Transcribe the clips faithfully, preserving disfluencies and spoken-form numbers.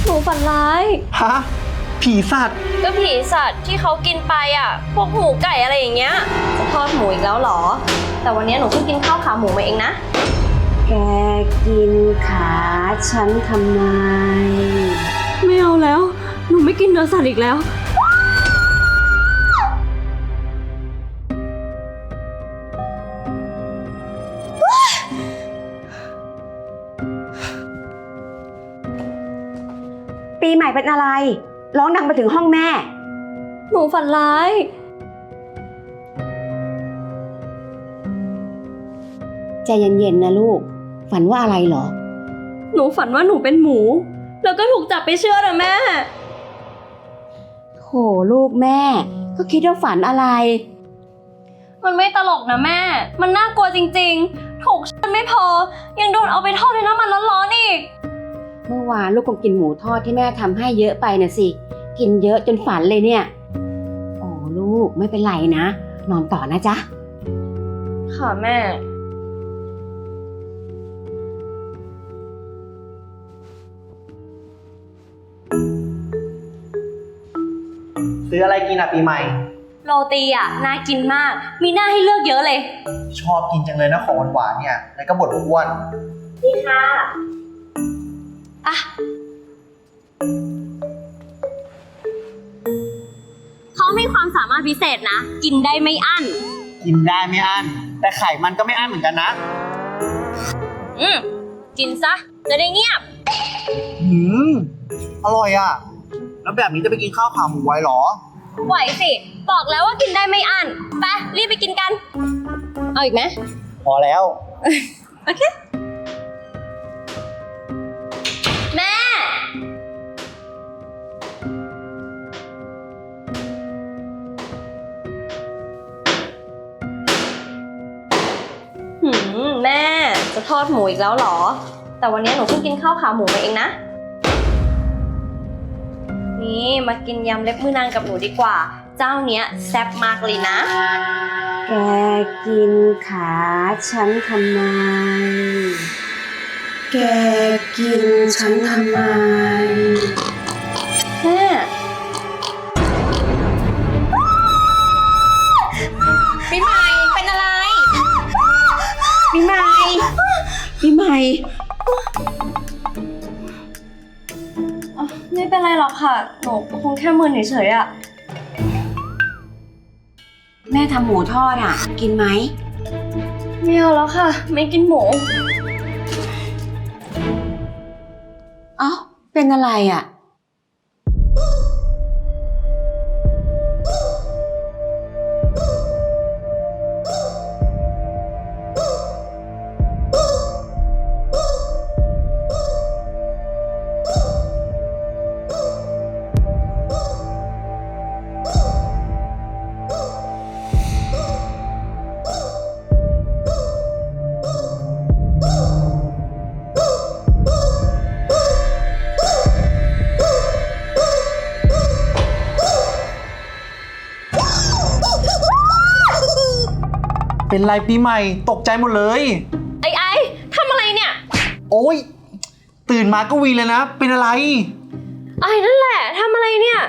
นูฝันร้ายฮะผีสัตว์ก็ผีสัตว์ที่เขากินไปอ่ะพวกหมูไก่อะไรอย่างเงี้ยจะทอดหมูอีกแล้วเหรอแต่วันนี้หนูเพิ่งกินข้าวขาหมูมาเองนะแกกินขาฉันทำไมไม่เอาแล้วหนูไม่กินเนื้อสัตว์อีกแล้วปีใหม่เป็นอะไรร้องดังไปถึงห้องแม่หนูฝันร้ายใจเย็นๆนะลูกฝันว่าอะไรเหรอหนูฝันว่าหนูเป็นหมูแล้วก็ถูกจับไปเชือดอะแม่โหลูกแม่ก็คิดว่าฝันอะไรมันไม่ตลกนะแม่มันน่ากลัวจริงๆถูกเชือดไม่พอยังโดนเอาไปทอดในน้ำมันร้อนๆอีกเมื่อวานลูกคงกินหมูทอดที่แม่ทำให้เยอะไปนะสิกินเยอะจนฝันเลยเนี่ยโอ้ลูกไม่เป็นไรนะนอนต่อนะจ๊ะค่ะแม่ซื้ออะไรกินอ่ะปีใหม่โรตีอ่ะน่ากินมากมีหน้าให้เลือกเยอะเลยชอบกินจังเลยนะของหวานๆเนี่ยแล้วก็บดอ้วนดีค่ะอ่ะเขามีความสามารถพิเศษนะกินได้ไม่อั้นกินได้ไม่อั้นแต่ไข่มันก็ไม่อั้นเหมือนกันนะอืมกินซะจะได้เงียบหืมอร่อยอ่ะแล้วแบบนี้จะไปกินข้าวขาหมูไว้หรอไหวสิบอกแล้วว่ากินได้ไม่อั้นไปรีบไปกินกันเอาอีกไหมพอแล้วโอเคแม่หืมแม่จะทอดหมูอีกแล้วเหรอแต่วันนี้หนูเพิ่งกินข้าวขาหมูมาเองนะนี่มากินยำเล็บมือนางกับหนูดีกว่าเจ้าเนี้ยแซ่บมากเลยนะแกกินขาฉันทำไมแกกินฉันทำไมแม่ปีใหม่เป็นอะไรปีใหม่ปีใหม่ไม่เป็นไรหรอกค่ะหนูคงแค่มึนเฉยๆอะแม่ทำหมูทอดอ่ะกินไหมไม่เอาแล้วค่ะไม่กินหมูเอ้าเป็นอะไรอ่ะเป็นไรปีใหม่ตกใจหมดเลยไอ้ไอ้ทำอะไรเนี่ยโอ้ยตื่นมาก็วีเลยนะเป็นอะไรไอ้นั่นแหละทำอะไรเนี่ย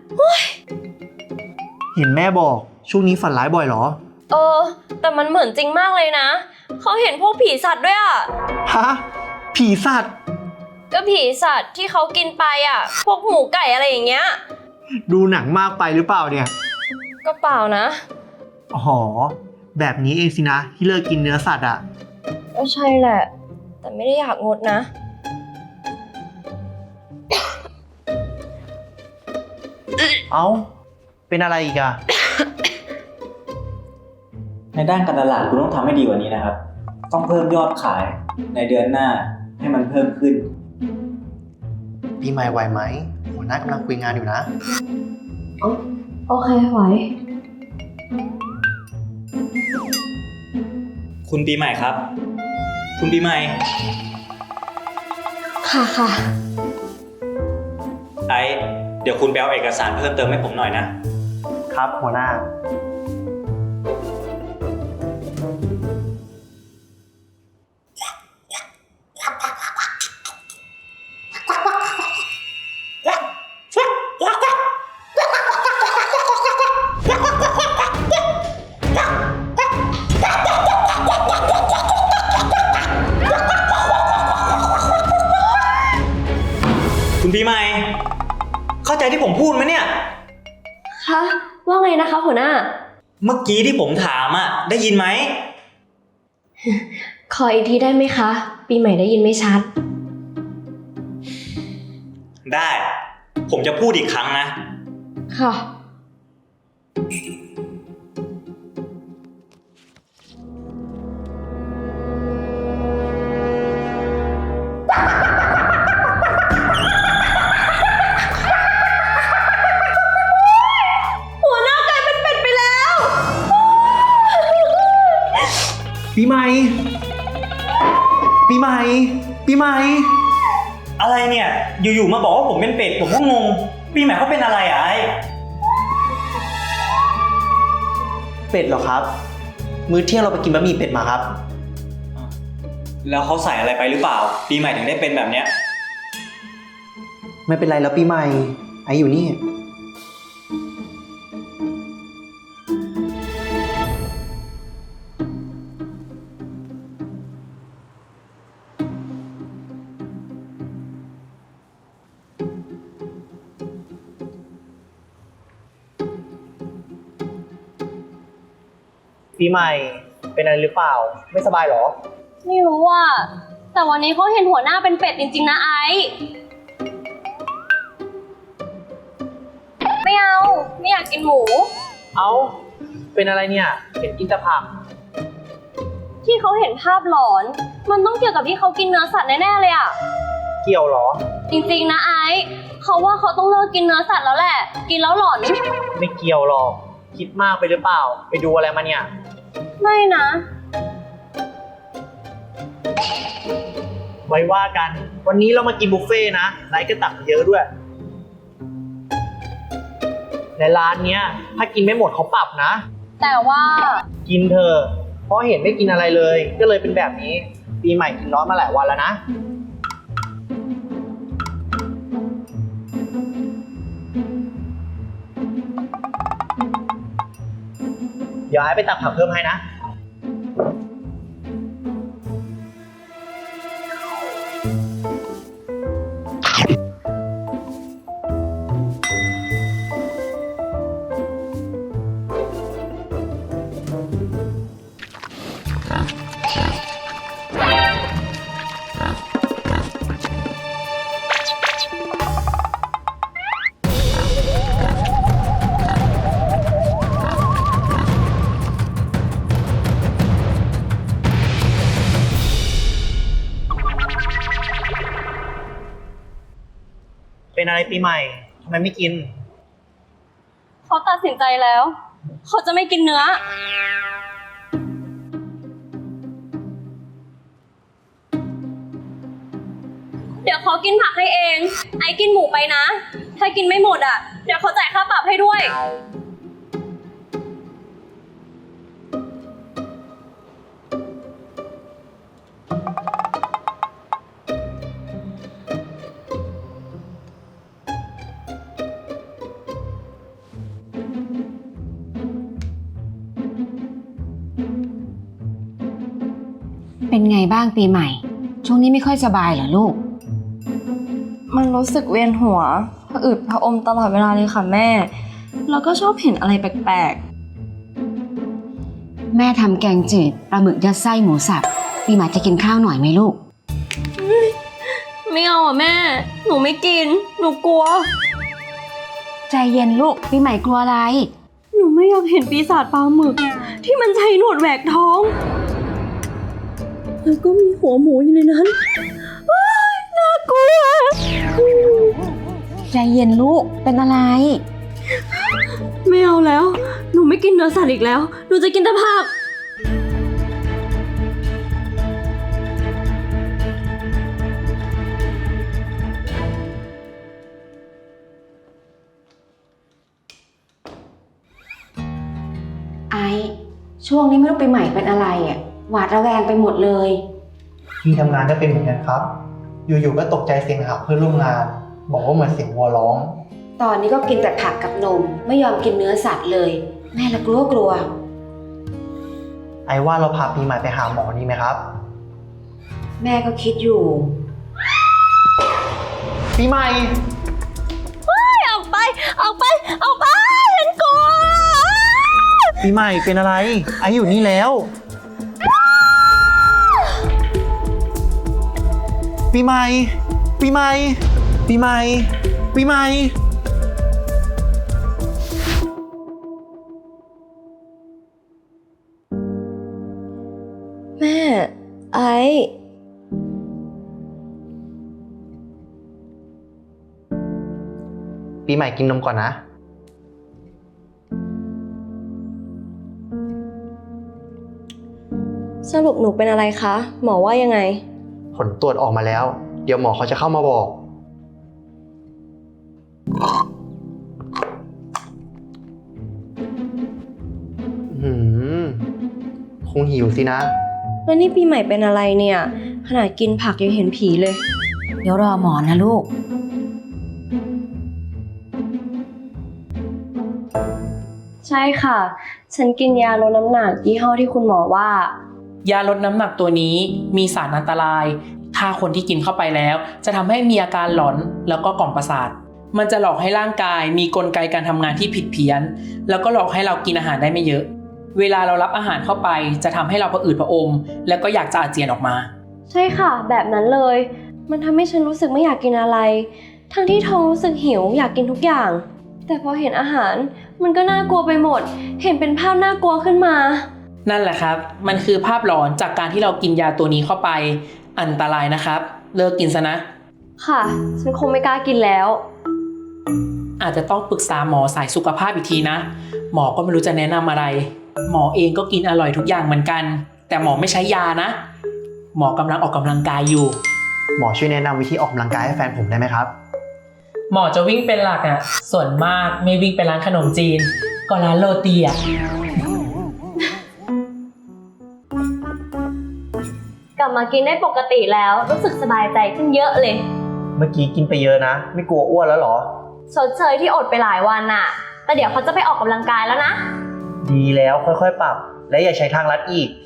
เห็นแม่บอกช่วงนี้ฝันร้ายบ่อยเหรอเออแต่มันเหมือนจริงมากเลยนะเขาเห็นพวกผีสัตว์ด้วยอะฮะผีสัตว์ก็ผีสัตว์ที่เขากินไปอะพวกหมูไก่อะไรอย่างเงี้ยดูหนังมากไปหรือเปล่าเนี่ยก็เปล่านะอ๋อแบบนี้เองสินะที่เลิกกินเนื้อสัตว์อ่ะก็ใช่แหละแต่ไม่ได้อยากงดนะเอ้าเป็นอะไรอีกอะในด้านการตลาดคุณต้องทำให้ดีกว่านี้นะครับต้องเพิ่มยอดขายในเดือนหน้าให้มันเพิ่มขึ้นปีใหม่ไหวไหมหัวหน้ากำลังคุยงานอยู่นะโอเคไหวคุณปีใหม่ครับคุณปีใหม่ค่ะค่ะไอเดี๋ยวคุณไปเอาเอกสารเพิ่มเติมให้ผมหน่อยนะครับหัวหน้าคุณปีใหม่เข้าใจที่ผมพูดไหมเนี่ยคะว่าไงนะคะหัวหน้าเมื่อกี้ที่ผมถามอ่ะได้ยินไหมขออีกทีได้ไหมคะ ปีใหม่ได้ยินไม่ชัดได้ ผมจะพูดอีกครั้งนะค่ะ หัวหน้ากลายเป็นเป็ดไปแล้วปีใหม่ ปีใหม่ ปีใหม่อะไรเนี่ย อยู่ๆมาบอกว่าผมเป็นเป็ดผมก็งง ปีใหม่เขาเป็นอะไรอ่ะไอ้เป็ดเหรอครับ มื้อเที่ยงเราไปกินบะหมี่เป็ดมาครับแล้วเขาใส่อะไรไปหรือเปล่า ปีใหม่ถึงได้เป็นแบบเนี้ยไม่เป็นไรแล้วปีใหม่ ไออยู่นี่ ปีใหม่ เป็นอะไรหรือเปล่า ไม่สบายหรอไม่รู้อ่ะ แต่วันนี้เขาเห็นหัวหน้าเป็นเป็ดจริงๆนะไอซ์ไม่เอา ไม่อยากกินหมูเอ้า เป็นอะไรเนี่ย เห็นกินแต่ผักที่เขาเห็นภาพหลอน มันต้องเกี่ยวกับที่เขากินเนื้อสัตว์แน่ๆเลยอ่ะเกี่ยวหรอจริงๆนะไอซ์เขาว่าเขาต้องเลิกกินเนื้อสัตว์แล้วแหละ กินแล้วหลอนไม่เกี่ยวหรอก คิดมากไปหรือเปล่า ไปดูอะไรมาเนี่ยไม่นะไว้ว่ากัน วันนี้เรามากินบุฟเฟ่ต์นะไลฟ์ก็ตักเยอะด้วย ในร้านเนี้ย ถ้ากินไม่หมดเขาปรับนะแต่ว่ากินเธอะเพราะเห็นไม่กินอะไรเลย ก็เลยเป็นแบบนี้ ปีใหม่กินน้อยมาหลายวันแล้วนะ เดี๋ยวไอ้ไปตักผักเพิ่มให้นะ เป็นอะไรปีใหม่ทำไมไม่กินเขาตัดสินใจแล้ว เขาจะไม่กินเนื้อ เดี๋ยวเขากินผักให้เอง ไอ้กินหมูไปนะ ถ้ากินไม่หมดอ่ะ เดี๋ยวเขาจ่ายค่าปรับให้ด้วยเป็นไงบ้างปีใหม่ ช่วงนี้ไม่ค่อยสบายเหรอลูกมันรู้สึกเวียนหัวผะอืดผะอมตลอดเวลาเลยค่ะแม่ แล้วก็ชอบเห็นอะไรแปลกแม่ทำแกงจืดปลาหมึกยัดไส้หมูสับปีใหม่จะกินข้าวหน่อยไหมลูกๆ ไม่เอาอ่ะแม่ หนูไม่กิน หนูกลัวใจเย็นลูกปีใหม่กลัวอะไรหนูไม่อยากเห็นปีศาจปลาหมึก ที่มันใช้หนวดแหวกท้อง แล้วก็มีหัวหมูอยู่ในนั้นว้ายน่ากลัวใจเย็นลูกเป็นอะไรไม่เอาแล้ว หนูไม่กินเนื้อสัตว์อีกแล้ว หนูจะกินแต่ผักไอช่วงนี้ไม่รู้ปีใหม่เป็นอะไรอ่ะหวาดระแวงไปหมดเลยที่ทำงานก็เป็นเหมือนกันครับ อยู่ๆก็ตกใจเสียงหาวเพื่อนร่วมงาน บอกว่าเหมือนเสียงวัวร้องตอนนี้ก็กินแต่ผักกับนมไม่ยอมกินเนื้อสัตว์เลย แม่ละกลัวกลัวไอ้ว่าเราพาปีใหม่ไปหาหมอดีไหมครับแม่ก็คิดอยู่ปีใหม่ออกไปออกไปออกไปฉันกลัวปีใหม่เป็นอะไร ไออยู่นี่แล้ว ปีใหม่ ปีใหม่ ปีใหม่ ปีใหม่แม่ไอปีใหม่กินนมก่อนนะสรุปหนูเป็นอะไรคะ หมอว่ายังไงผลตรวจออกมาแล้ว เดี๋ยวหมอเขาจะเข้ามาบอก หืม คงหิวสินะแล้วนี่ปีใหม่เป็นอะไรเนี่ย ขนาดกินผักยังเห็นผีเลยเดี๋ยวรอหมอนะลูกใช่ค่ะ ฉันกินยาลดน้ำหนักยี่ห้อที่คุณหมอว่ายาลดน้ำหนักตัวนี้มีสารอันตราย ถ้าคนที่กินเข้าไปแล้ว จะทำให้มีอาการหลอนแล้วก็กล่อมประสาท มันจะหลอกให้ร่างกายมีกลไกการทำงานที่ผิดเพี้ยน แล้วก็หลอกให้เรากินอาหารได้ไม่เยอะ เวลาเรารับอาหารเข้าไปจะทำให้เราผะอืดผะอม แล้วก็อยากจะอาเจียนออกมาใช่ค่ะ แบบนั้นเลย มันทำให้ฉันรู้สึกไม่อยากกินอะไร ทั้งที่ท้องรู้สึกหิวอยากกินทุกอย่าง แต่พอเห็นอาหาร มันก็น่ากลัวไปหมด เห็นเป็นภาพน่ากลัวขึ้นมานั่นแหละครับ มันคือภาพหลอนจากการที่เรากินยาตัวนี้เข้าไป อันตรายนะครับ เลิกกินซะนะค่ะ ฉันคงไม่กล้ากินแล้วอาจจะต้องปรึกษาหมอสายสุขภาพอีกทีนะ หมอก็ไม่รู้จะแนะนำอะไร หมอเองก็กินอร่อยทุกอย่างเหมือนกัน แต่หมอไม่ใช้ยานะ หมอกำลังออกกำลังกายอยู่หมอช่วยแนะนำวิธีออกกำลังกายให้แฟนผมได้ไหมครับหมอจะวิ่งเป็นหลักอ่ะ ส่วนมากไม่วิ่งไปร้านขนมจีน ก็ร้านโรตีอ่ะกลับมากินได้ปกติแล้ว รู้สึกสบายใจขึ้นเยอะเลยเมื่อกี้กินไปเยอะนะ ไม่กลัวอ้วนแล้วเหรอชดเชยที่อดไปหลายวันน่ะ แต่เดี๋ยวเขาจะไปออกกำลังกายแล้วนะดีแล้วค่อยๆ ปรับ และอย่าใช้ทางลัดอีก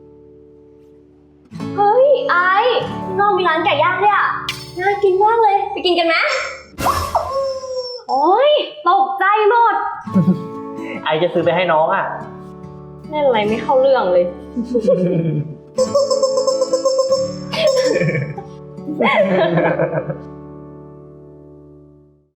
เฮ้ยไอ้ข้างนอกมีร้านไก่ย่างด้วยอ่ะ น่ากินมากเลย ไปกินกันไหมโอ๊ยตกใจหมดไอจะซื้อไปให้น้องอ่ะเล่นอะไรไม่เข้าเรื่องเลยเ